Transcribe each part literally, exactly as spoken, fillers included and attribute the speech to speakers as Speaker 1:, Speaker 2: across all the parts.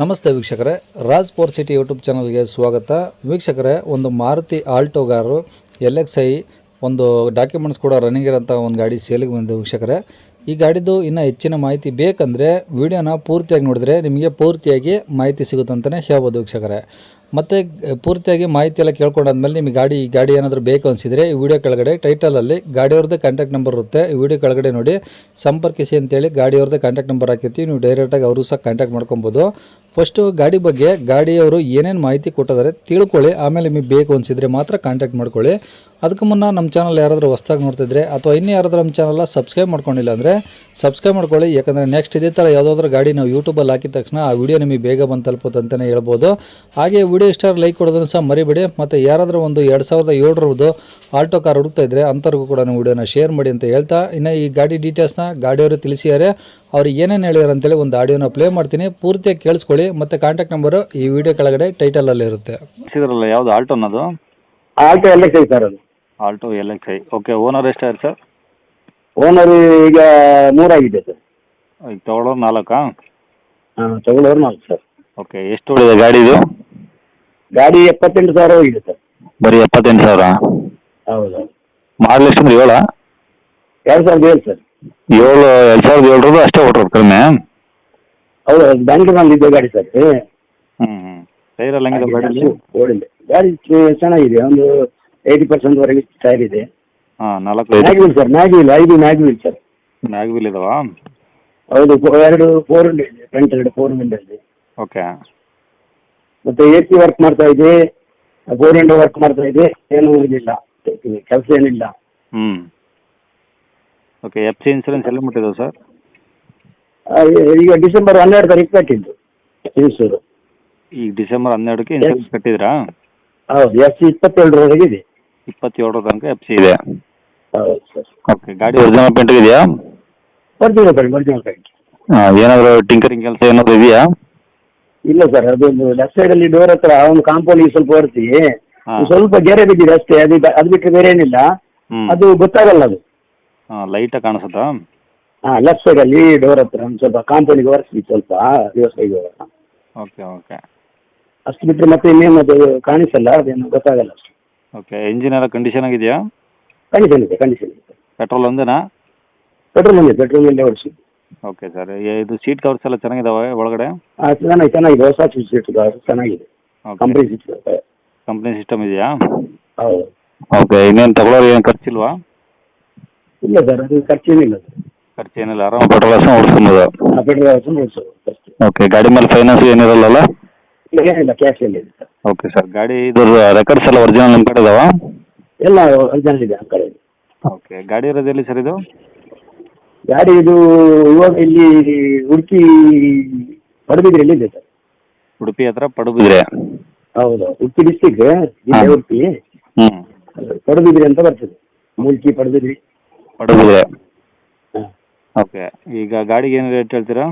Speaker 1: ನಮಸ್ತೆ ವೀಕ್ಷಕರೇ, Raj four city YouTube ಚಾನಲ್ಗೆ ಸ್ವಾಗತ. ವೀಕ್ಷಕರೇ, ಒಂದು Maruti Alto car L X I ಒಂದು ಡಾಕ್ಯುಮೆಂಟ್ಸ್ ಕೂಡ ರನ್ನಿಂಗ್ ಇರೋಂಥ ಒಂದು ಗಾಡಿ ಸೇಲಿಗೆ ಬಂದಿದೆ ವೀಕ್ಷಕರೇ. ಈ ಗಾಡಿದು ಇನ್ನೂ ಹೆಚ್ಚಿನ ಮಾಹಿತಿ ಬೇಕಂದರೆ ವಿಡಿಯೋನ ಪೂರ್ತಿಯಾಗಿ ನೋಡಿದ್ರೆ ನಿಮಗೆ ಪೂರ್ತಿಯಾಗಿ ಮಾಹಿತಿ ಸಿಗುತ್ತಂತಲೇ ಹೇಳ್ಬೋದು ವೀಕ್ಷಕರೇ. ಮತ್ತು ಪೂರ್ತಿಯಾಗಿ ಮಾಹಿತಿ ಎಲ್ಲ ಕೇಳ್ಕೊಂಡಾದ್ಮೇಲೆ ನಿಮಗೆ ಗಾಡಿ ಈ ಗಾಡಿ ಏನಾದರೂ ಬೇಕು ಅನಿಸಿದರೆ ಈ ವಿಡಿಯೋ ಕೆಳಗಡೆ ಟೈಟಲಲ್ಲಿ ಗಾಡಿಯವ್ರದ್ದೇ ಕಾಂಟ್ಯಾಕ್ಟ್ ನಂಬರ್ ಇರುತ್ತೆ. ಈ ವಿಡಿಯೋ ಕೆಳಗಡೆ ನೋಡಿ ಸಂಪರ್ಕಿಸಿ ಅಂತೇಳಿ ಗಾಡಿಯವ್ರದ್ದೇ ಕಾಂಟ್ಯಾಕ್ಟ್ ನಂಬರ್ ಹಾಕಿರ್ತೀವಿ. ನೀವು ಡೈರೆಕ್ಟಾಗಿ ಅವರು ಸಹ ಕಾಂಟ್ಯಾಕ್ಟ್ ಮಾಡ್ಕೊಬೋದು. ಫಸ್ಟು ಗಾಡಿ ಬಗ್ಗೆ ಗಾಡಿಯವರು ಏನೇನು ಮಾಹಿತಿ ಕೊಟ್ಟಿದ್ದಾರೆ ತಿಳ್ಕೊಳ್ಳಿ, ಆಮೇಲೆ ನಿಮಗೆ ಬೇಕು ಅನಿಸಿದರೆ ಮಾತ್ರ ಕಾಂಟ್ಯಾಕ್ಟ್ ಮಾಡ್ಕೊಳ್ಳಿ. ಅದಕ್ಕೂ ಮುನ್ನ ನಮ್ಮ ಚಾನಲ್ ಯಾರಾದರೂ ಹೊಸ್ದಾಗಿ ನೋಡ್ತಿದ್ರೆ ಅಥವಾ ಇನ್ನೂ ಯಾರಾದರೂ ನಮ್ಮ ಚಾನಲ್ನ ಸಬ್ಸ್ಕ್ರೈಬ್ ಮಾಡ್ಕೊಂಡಿಲ್ಲ ಅಂದರೆ ಸಬ್ಸ್ಕ್ರೈಬ್ ಮಾಡ್ಕೊಳ್ಳಿ. ಯಾಕಂದರೆ ನೆಕ್ಸ್ಟ್ ಇದೇ ಥರ ಯಾವುದಾದ್ರೂ ಗಾಡಿ ನಾವು ಯೂಟ್ಯೂಬಲ್ಲಿ ಹಾಕಿದ ತಕ್ಷಣ ಆ ವಿಡಿಯೋ ನಿಮಗೆ ಬೇಗ ಬಂದು ತಲುಪುತ್ತೆ ಅಂತಲೇ ಹೇಳ್ಬೋದು. ಹಾಗೆ ವಿಡಿಯೋ ಇಷ್ಟ ಲೈಕ್ ಕೊಡೋದನ್ನು ಸಹ ಮರಿಬೇಡಿ. ಮತ್ತು ಯಾರಾದರೂ ಒಂದು ಎರಡು ಸಾವಿರದ ಏಳರದ್ದು ಆಲ್ಟೋ ಕಾರ್ ಹುಡುಕ್ತಾ ಇದ್ದರೆ ಅಂಥವ್ರಿಗೂ ಕೂಡ ನೀವು ವಿಡಿಯೋನ ಶೇರ್ ಮಾಡಿ ಅಂತ ಹೇಳ್ತಾ, ಇನ್ನು ಈ ಗಾಡಿ ಡೀಟೇಲ್ಸ್ನ ಗಾಡಿಯವರು ತಿಳಿಸಿದ್ದಾರೆ. ಅವ್ರು ಏನೇನು ಹೇಳ್ಯಾರ ಅಂತೇಳಿ ಒಂದು ಆಡಿಯೋನ ಪ್ಲೇ ಮಾಡ್ತೀನಿ, ಪೂರ್ತಿಯಾಗಿ ಕೇಳಿಸ್ಕೊಳ್ಳಿ. ಮತ್ತು ಕಾಂಟ್ಯಾಕ್ಟ್ ನಂಬರು ಈ ವಿಡಿಯೋ ಕೆಳಗಡೆ ಟೈಟಲಲ್ಲಿ ಇರುತ್ತೆ.
Speaker 2: ಯಾವುದು ಆಲ್ಟೋ ಅನ್ನೋದು?
Speaker 3: Alto L X I sir ಅದು.
Speaker 2: Alto L X I. Okay, owner ಎಷ್ಟಾರು ಸರ್?
Speaker 3: ಓನರ್ ಈಗ ಮೂರಾಗಿದೆ ಸರ್.
Speaker 2: ಈಗ ತೊಗೊಳೋರು ನಾಲ್ಕಾ?
Speaker 3: ಹಾಂ, ತಗೊಳ್ಳೋರು ನಾಲ್ಕು ಸರ್.
Speaker 2: ಓಕೆ, ಎಷ್ಟು ಹೊಡಿದೆ ಗಾಡಿದು?
Speaker 3: ಗಾಡಿ ಎಪ್ಪತ್ತೆಂಟು ಸಾವಿರ ಹೋಗಿದೆ ಸರ್.
Speaker 2: ಬರೀ ಎಪ್ಪತ್ತೆಂಟು ಸಾವಿರ?
Speaker 3: ಹೌದು.
Speaker 2: ಮಾಡಲ್ ಎಷ್ಟು ಅಂದ್ರೆ ಏಳಾ?
Speaker 3: ಎರಡು ಸಾವಿರದ ಏಳು ಸರ್.
Speaker 2: ಏಳು ಎರಡು ಸಾವಿರದ ಏಳರದು ಅಷ್ಟೇ ಹೊಡ್ರೋದು ಕಡಿಮೆ?
Speaker 3: ಹೌದು, ಬ್ಯಾಂಕಿನಲ್ಲಿ ಇದೆ ಗಾಡಿ ಸರ್.
Speaker 2: ಹ್ಞೂ ಹ್ಞೂ. ಟೈರ್ ಎಲ್ಲ ಹೆಂಗಿದೆ ಗಾಡಿಯಲ್ಲಿ?
Speaker 3: ಓಡಿಲ್ಲ, ಗಾಡಿ ಚೆನ್ನಾಗಿದೆ. ಒಂದು ಏಯ್ಟಿ ಪರ್ಸೆಂಟ್ವರೆಗೆ ಟೈರ್ ಇದೆ.
Speaker 2: ಹಾಂ, ನಾಲ್ಕು
Speaker 3: mag wheel sir, mag wheel ಐದು mag wheel sir.
Speaker 2: Mag wheel ಇದಾವಾ?
Speaker 3: ಹೌದು, ಎರಡು ಫೋರ್ ವಿಂಡೋ ಇದೆ, ಫ್ರಂಟ್ ಎರಡು ಫೋರ್ ವಿಂಡೋ ಇದೆ.
Speaker 2: ಓಕೆ.
Speaker 3: ಮತ್ತು ಎ ಸಿ ವರ್ಕ್ ಮಾಡ್ತಾ ಇದೆ, ಫೋರ್ ವಿಂಡೋ ವರ್ಕ್ ಮಾಡ್ತಾ ಇದೆ. ಏನೂ ಇದಿಲ್ಲ, ಕೆಲಸ ಏನಿಲ್ಲ.
Speaker 2: ಹ್ಞೂ. ಓಕೆ, ಎಫ್ ಸಿ ಇನ್ಸೂರೆನ್ಸ್ ಎಲ್ಲ ಮುಟ್ಟಿದೆ ಸರ್?
Speaker 3: ಈಗ ಡಿಸೆಂಬರ್ ಹನ್ನೆರಡು ತಾರೀಕು ಕಟ್ಟಿದ್ದು ಇನ್ಸೂರು.
Speaker 2: ಈಗ ಡಿಸೆಂಬರ್ ಹನ್ನೆರಡಕ್ಕೆ ಇನ್ಸೂರೆನ್ಸ್ ಕಟ್ಟಿದ್ರಾ?
Speaker 3: ಹೌದು, ಎಫ್ ಸಿ ಇಪ್ಪತ್ತೇಳರವರೆಗೆ ಇದೆ.
Speaker 2: ಇಪ್ಪತ್ತೇಳರ ತನಕ ಎಫ್ ಸಿ ಇದೆ.
Speaker 3: ಹೌದು ಸರ್.
Speaker 2: ಓಕೆ, ಗಾಡಿ ಒರಿಜಿನಲ್ ಪೇಂಟ್ ಇದೆಯಾ?
Speaker 3: Original paint, original paint.
Speaker 2: ಹಾಂ, ಏನಾದರೂ ಟಿಂಕರಿಂಗ್ ಕೆಲಸ ಏನಾದರೂ ಇದೆಯಾ?
Speaker 3: ಇಲ್ಲ ಸರ್, ಅದೊಂದು ಲೆಫ್ಟ್ ಸೈಡಲ್ಲಿ ಡೋರ್ ಹತ್ರ ಒಂದು ಕಾಂಪೌಂಡಿಗೆ ಸ್ವಲ್ಪ ಹೊರತಿ
Speaker 2: ಹಾಂ.
Speaker 3: ಸ್ವಲ್ಪ ಗೆರೆ ಬಿದ್ದಿದೆ ಅಷ್ಟೇ. ಅದು ಅದು ಬಿಟ್ಟರೆ ಬೇರೆ ಏನಿಲ್ಲ.
Speaker 2: ಹ್ಞೂ.
Speaker 3: ಅದು ಗೊತ್ತಾಗಲ್ಲ ಅದು.
Speaker 2: ಹಾಂ, ಲೈಟಾಗಿ ಕಾಣಿಸುತ್ತಾ?
Speaker 3: ಹಾಂ, ಲೆಫ್ಟ್ ಸೈಡಲ್ಲಿ ಡೋರ್ ಹತ್ರ ಒಂದು ಸ್ವಲ್ಪ ಕಾಂಪೌಂಡಿಗೆ ಒರೆಸಿ ಸ್ವಲ್ಪ ವ್ಯವಸ್ಥೆಗೆ.
Speaker 2: Okay okay.
Speaker 3: ಅಷ್ಟು ಬಿಟ್ಟರೆ ಮತ್ತೆ ಇನ್ನೇನು ಅದು ಕಾಣಿಸಲ್ಲ, ಅದೇನು ಗೊತ್ತಾಗಲ್ಲ ಅಷ್ಟು.
Speaker 2: ಓಕೆ, ಇಂಜಿನ್ ಎಲ್ಲ ಕಂಡೀಷನ್ ಆಗಿದೆಯಾ?
Speaker 3: ಕಂಡೀಷನ್ ಇದೆ, ಕಂಡೀಷನ್ ಇದೆ.
Speaker 2: ಪೆಟ್ರೋಲ್ ಒಂದೇನಾ?
Speaker 3: ಪೆಟ್ರೋಲ್ ಇದೆ, ಪೆಟ್ರೋಲ್ ಇಲ್ಲೇ ಓಡಿಸಿ.
Speaker 2: ಓಕೆ ಸರ್, ಇದು ಸೀಟ್ ಕವರ್ಸ್ ಎಲ್ಲ ಚೆನ್ನಾಗಿದಾವೆ ಒಳಗಡೆ?
Speaker 3: ಹಾಂ, ಚೆನ್ನಾಗಿ ಚೆನ್ನಾಗಿದೆ. ಹೊಸ ಸೀಟ್ ಚೆನ್ನಾಗಿದೆ, ಕಂಪ್ನಿ ಸೀಟ್.
Speaker 2: ಕಂಪ್ನಿ ಸಿಸ್ಟಮ್ ಇದೆಯಾ?
Speaker 3: ಹೌದು.
Speaker 2: ಓಕೆ, ಇನ್ನೇನು ತಗೊಳ್ಳೋರು ಏನು ಖರ್ಚಿಲ್ವಾ?
Speaker 3: ಇಲ್ಲ ಸರ್, ಅದು ಖರ್ಚೇನಿಲ್ಲ ಸರ್.
Speaker 2: ಖರ್ಚೇನಿಲ್ಲ, ಆರಾಮ ಪೆಟ್ರೋಲ್ ಹಾಕ್ಸ್ಕೊಂಡು ಓಡಿಸ್ಕೊಬೋದು?
Speaker 3: ಹಾಂ, ಪೆಟ್ರೋಲ್ ಹಾಕ್ಸ್ಕೊಂಡು ಓಡಿಸೋದು ಅಷ್ಟೇ.
Speaker 2: ಓಕೆ, ಗಾಡಿ ಮೇಲೆ ಫೈನಾನ್ಸ್ ಏನಿರಲ್ಲ?
Speaker 3: ಇಲ್ಲ, ಏನಿಲ್ಲ, ಕ್ಯಾಶ್ ಎಲ್ಲ ಇದೆ ಸರ್.
Speaker 2: ಓಕೆ ಸರ್, ಗಾಡಿ ಇದು ರೆಕಾರ್ಡ್ಸ್ ಎಲ್ಲ ಒರಿಜಿನಲ್ ನಿಮ್ಮ ಕಡೆ ಇದಾವಾ?
Speaker 3: ಎಲ್ಲ ಒರಿಜಿನಲ್ ಇದೆ ನಮ್ಮ ಕಡೆ.
Speaker 2: ಓಕೆ, ಗಾಡಿ ಇರೋದು ಎಲ್ಲಿ ಸರ್ ಇದು?
Speaker 3: ಗಾಡಿ ಇದು ಇವಾಗ ಇಲ್ಲಿ ಉಡುಪಿ ಪಡುಬಿದ್ರೆಯಲ್ಲಿ ಇದೆ ಸರ್.
Speaker 2: ಉಡುಪಿ ಹತ್ರ ಪಡುಬಿದ್ರೆ?
Speaker 3: ಹೌದು, ಉಡುಪಿ ಡಿಸ್ಟಿಕ್ ಜಿಲ್ಲೆ ಉಡುಪಿ.
Speaker 2: ಹ್ಞೂ.
Speaker 3: ಪಡುಬಿದ್ರಿ ಅಂತ ಬರ್ತದೆ, ಮೂಲ್ಕಿ ಪಡುಬಿದ್ರಿ.
Speaker 2: ಪಡುಬಿದ್ರೆ.
Speaker 3: ಹಾಂ.
Speaker 2: ಓಕೆ, ಈಗ ಗಾಡಿಗೆ ಏನು ರೇಟ್ ಹೇಳ್ತೀರಾ?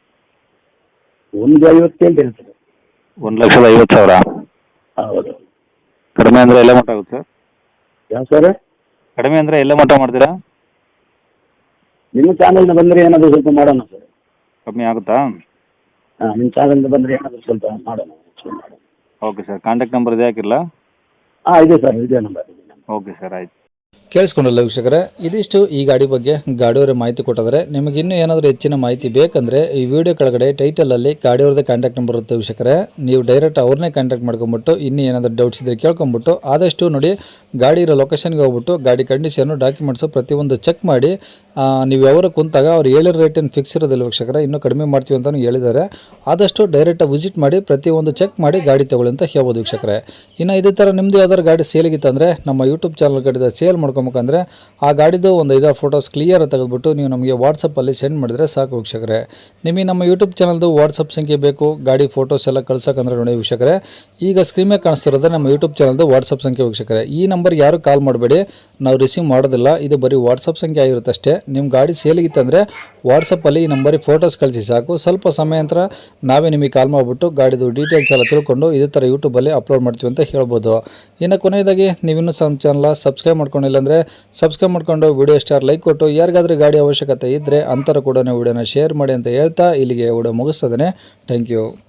Speaker 3: ಒಂದು ಐವತ್ತು ಹೇಳ್ತೇನೆ ಸರ್.
Speaker 2: ಒಂದು ಲಕ್ಷದ ಐವತ್ತು ಸಾವಿರ?
Speaker 3: ಹೌದು.
Speaker 2: ಕಡಿಮೆ ಅಂದರೆ ಎಲ್ಲ ಮಟ್ಟ ಆಗುತ್ತೆ ಸರ್?
Speaker 3: ಯಾವ ಸರ್?
Speaker 2: ಕಡಿಮೆ ಅಂದರೆ ಎಲ್ಲ ಮಟ್ಟ ಮಾಡ್ತೀರಾ?
Speaker 3: ನಿಮ್ಮ ಚಾನಲ್ನ ಬಂದರೆ ಏನಾದರೂ ಸ್ವಲ್ಪ ಮಾಡೋಣ ಸರ್.
Speaker 2: ಕಮ್ಮಿ ಆಗುತ್ತಾ?
Speaker 3: ಹಾಂ, ನಿಮ್ಮ ಚಾನಲ್ನ ಬಂದರೆ ಏನಾದರೂ ಸ್ವಲ್ಪ ಮಾಡೋಣ.
Speaker 2: ಓಕೆ ಸರ್, ಕಾಂಟ್ಯಾಕ್ಟ್ ನಂಬರ್ ಇದೆ ಹಾಕಿರಲ್ಲ?
Speaker 3: ಹಾಂ, ಇದೆ ಸರ್, ಇದೇ ನಂಬರ್.
Speaker 2: ಓಕೆ ಸರ್, ಆಯ್ತು.
Speaker 1: ಕೇಳಿಸ್ಕೊಂಡಲ್ಲ ವೀಕ್ಷಕರೇ, ಇದಿಷ್ಟು ಈ ಗಾಡಿ ಬಗ್ಗೆ ಗಾಡಿಯವರೇ ಮಾಹಿತಿ ಕೊಟ್ಟಿದ್ದಾರೆ. ನಿಮಗೆ ಇನ್ನೂ ಏನಾದರೂ ಹೆಚ್ಚಿನ ಮಾಹಿತಿ ಬೇಕಂದರೆ ಈ ವಿಡಿಯೋ ಕೆಳಗಡೆ ಟೈಟಲಲ್ಲಿ ಗಾಡಿಯವ್ರದ್ದೇ ಕಾಂಟ್ಯಾಕ್ಟ್ ನಂಬರ್ ಇರುತ್ತೆ ವೀಕ್ಷಕರೇ. ನೀವು ಡೈರೆಕ್ಟ್ ಅವ್ರನ್ನೇ ಕಾಂಟ್ಯಾಕ್ಟ್ ಮಾಡ್ಕೊಂಬಿಟ್ಟು ಇನ್ನೂ ಏನಾದರೂ ಡೌಟ್ಸ್ ಇದ್ದರೆ ಕೇಳ್ಕೊಂಬಿಟ್ಟು ಆದಷ್ಟು ನೋಡಿ ಗಾಡಿ ಇರೋ ಲೊಕೇಶನ್ಗೆ ಹೋಗ್ಬಿಟ್ಟು ಗಾಡಿ ಕಂಡೀಷನ್ನು ಡಾಕ್ಯುಮೆಂಟ್ಸು ಪ್ರತಿಯೊಂದು ಚೆಕ್ ಮಾಡಿ ನೀವು ಯಾವಾಗ ಕುಂತಾಗ ಅವ್ರು ಹೇಳಿರೋ ರೇಟ್ ಏನು ಫಿಕ್ಸ್ ಇರೋದಿಲ್ಲ ವೀಕ್ಷಕರೇ, ಇನ್ನೂ ಕಡಿಮೆ ಮಾಡ್ತೀವಿ ಅಂತಲೂ ಹೇಳಿದ್ದಾರೆ. ಆದಷ್ಟು ಡೈರೆಕ್ಟಾಗಿ ವಿಸಿಟ್ ಮಾಡಿ ಪ್ರತಿಯೊಂದು ಚೆಕ್ ಮಾಡಿ ಗಾಡಿ ತೊಗೊಳ್ಳಿ ಅಂತ ಹೇಳ್ಬೋದು ವೀಕ್ಷಕರೇ. ಇನ್ನು ಇದೇ ಥರ ನಿಮ್ಮದು ಯಾವ್ದಾದ್ರು ಗಾಡಿ ಸೇಲಿಗಿತ್ತಂದರೆ ನಮ್ಮ ಯೂಟ್ಯೂಬ್ ಚಾನಲ್ ಕಡೆ ಸೇಲ್ ಮಾಡ್ಕೊಬೇಕಂದ್ರೆ ಆ ಗಾಡಿದು ಒಂದು ಐದಾರು ಫೋಟೋಸ್ ಕ್ಲಿಯರ್ ತೆಗೆದುಬಿಟ್ಟು ನೀವು ನಮಗೆ ವಾಟ್ಸಪ್ಪಲ್ಲಿ ಸೆಂಡ್ ಮಾಡಿದರೆ ಸಾಕು ವೀಕ್ಷಕರೇ. ನಿಮಗೆ ನಮ್ಮ ಯೂಟ್ಯೂಬ್ ಚಾನಲ್ದು ವಾಟ್ಸಪ್ ಸಂಖ್ಯೆ ಬೇಕು ಗಾಡಿ ಫೋಟೋಸ್ ಎಲ್ಲ ಕಳ್ಸೋಕಂದ್ರೆ ನೋಡಿ ವೀಕ್ಷಕರೇ, ಈಗ ಸ್ಕ್ರೀನ್ ಮೇಲೆ ಕಾಣಿಸ್ತಿರೋದು ನಮ್ಮ ಯೂಟ್ಯೂಬ್ ಚಾನಲ್ದು ವಾಟ್ಸಪ್ ಸಂಖ್ಯೆ ವೀಕ್ಷಕರೇ. ಈ ನಂಬರ್ಗೆ ಯಾರು ಕಾಲ್ ಮಾಡಬೇಡಿ, ನಾವು ರಿಸೀವ್ ಮಾಡೋದಿಲ್ಲ, ಇದು ಬರೀ ವಾಟ್ಸಪ್ ಸಂಖ್ಯೆ ಆಗಿರುತ್ತೆ ಅಷ್ಟೇ. ನಿಮ್ಮ ಗಾಡಿ ಸೇಲಿಗಿತ್ತಂದರೆ ವಾಟ್ಸಪ್ಪಲ್ಲಿ ಈ ನಂಬರಿಗೆ ಫೋಟೋಸ್ ಕಳಿಸಿ ಸಾಕು. ಸ್ವಲ್ಪ ಸಮಯ ನಂತರ ನಾವೇ ನಿಮಗೆ ಕಾಲ್ ಮಾಡಿಬಿಟ್ಟು ಗಾಡಿದು ಡೀಟೇಲ್ಸ್ ಎಲ್ಲ ತಿಳ್ಕೊಂಡು ಇದೇ ಥರ ಯೂಟ್ಯೂಬಲ್ಲಿ ಅಪ್ಲೋಡ್ ಮಾಡ್ತೀವಿ ಅಂತ ಹೇಳ್ಬೋದು. ಇನ್ನು ಕೊನೆಯದಾಗಿ ನೀವಿನ್ನೂ ನಮ್ಮ ಚಾನಲ್ ಸಬ್ಸ್ಕ್ರೈಬ್ ಮಾಡ್ಕೊಂಡಿಲ್ಲ ಅಂದರೆ ಸಬ್ಸ್ಕ್ರೈಬ್ ಮಾಡ್ಕೊಂಡು ವಿಡಿಯೋ ಸ್ಟಾರ್ ಲೈಕ್ ಕೊಟ್ಟು ಯಾರಿಗಾದ್ರೂ ಗಾಡಿ ಅವಶ್ಯಕತೆ ಇದ್ದರೆ ಅಂತರ ಕೂಡ ವಿಡಿಯೋನ ಶೇರ್ ಮಾಡಿ ಅಂತ ಹೇಳ್ತಾ ಇಲ್ಲಿಗೆ ವಿಡಿಯೋ ಮುಗಿಸ್ತದೆ. Thank you.